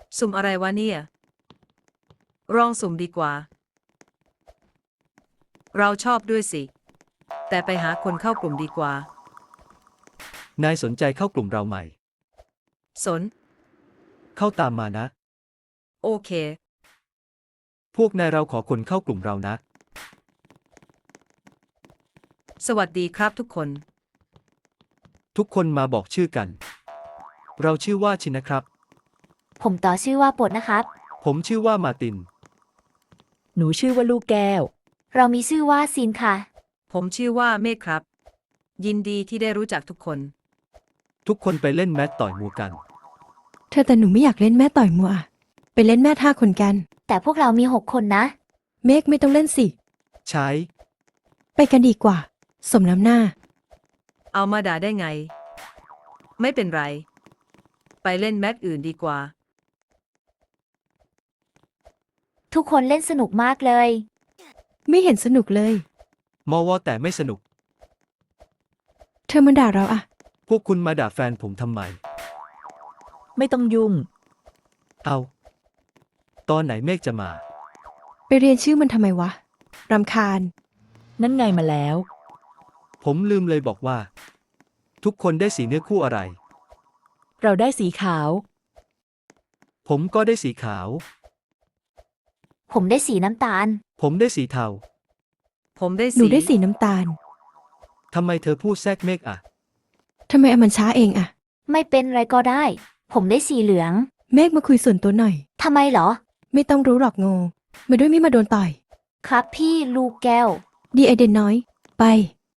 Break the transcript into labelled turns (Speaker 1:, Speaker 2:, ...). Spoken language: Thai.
Speaker 1: สุ่มอะไรวะเนี่ยลองสุ่มดีกว่า เราชอบด้วยสิ แต่ไปหาคนเข้ากลุ่มดีกว่า
Speaker 2: นายสนใจเข้ากลุ่มเราไหม
Speaker 1: สน
Speaker 2: เข้าตามมานะ
Speaker 1: โอเค
Speaker 2: พวกนายเราขอคนเข้ากลุ่มเรานะ
Speaker 1: สวัสดีครับทุกคน
Speaker 2: ทุกคนมาบอกชื่อกัน เราชื่อว่าชินนะครับ
Speaker 3: ผมต่อชื่อว่าปดนะครับ
Speaker 2: ผมชื่อว่ามาร์ติน
Speaker 4: หนูชื่อว่าลูกแก้ว
Speaker 3: เรามีชื่อว่าซินค่ะ
Speaker 1: ผมชื่อว่าเมฆครับ ยินดีที่ได้รู้จักทุกคน
Speaker 2: ทุกคนไปเล่นแมตช์ต่อยมวยกัน
Speaker 5: แต่หนูไม่อยากเล่นแม่ต่อยมัวอะไปเล่นแม่ท่าคนกัน
Speaker 3: แต่พวกเรามี6 คนนะ
Speaker 5: เมฆไม่ต้องเล่นสิ
Speaker 2: ใช้
Speaker 5: ไปกันดีกว่า สมน้ำหน้า
Speaker 1: เอามาด่าได้ไง ไม่เป็นไร ไปเล่นแมตช์อื่นดีกว่า
Speaker 3: ทุกคนเล่นสนุกมากเลย
Speaker 5: ไม่เห็นสนุกเลย
Speaker 2: มอวอแต่ไม่สนุก
Speaker 5: เธอมาด่าเราอะ
Speaker 2: พวกคุณมาด่าแฟนผมทำไม
Speaker 4: ไม่ต้องยุ่ง
Speaker 2: เอา ตอนไหนเมฆจะมา
Speaker 5: ไปเรียนชื่อมันทำไมวะ รำคาญ
Speaker 4: นั่นไงมาแล้ว
Speaker 2: ผมลืมเลยบอกว่า ทุกคนได้สีเนื้อคู่อะไร
Speaker 4: เราได้สีขาว
Speaker 2: ผมก็ได้สีขาว
Speaker 3: ผมได้สีน้ำตาล
Speaker 2: ผมได้สีเทา
Speaker 1: ผมได้
Speaker 5: หนูได้สีน้ำตาล
Speaker 2: ทำไมเธอพูดแทรกเมฆอะ
Speaker 5: ทำไมมันช้าเองอะ
Speaker 3: ไม่เป็นไรก็ได้ ผมได้สีเหลือง
Speaker 5: เมฆมาคุยส่วนตัวหน่อย
Speaker 3: ทำไมเหรอ
Speaker 5: ไม่ต้องรู้หรอกโง่มาด้วยไม่มาโดนต่อย
Speaker 3: ครับพี่ลูกแก้ว
Speaker 5: ดีไอเดนน้อย ไป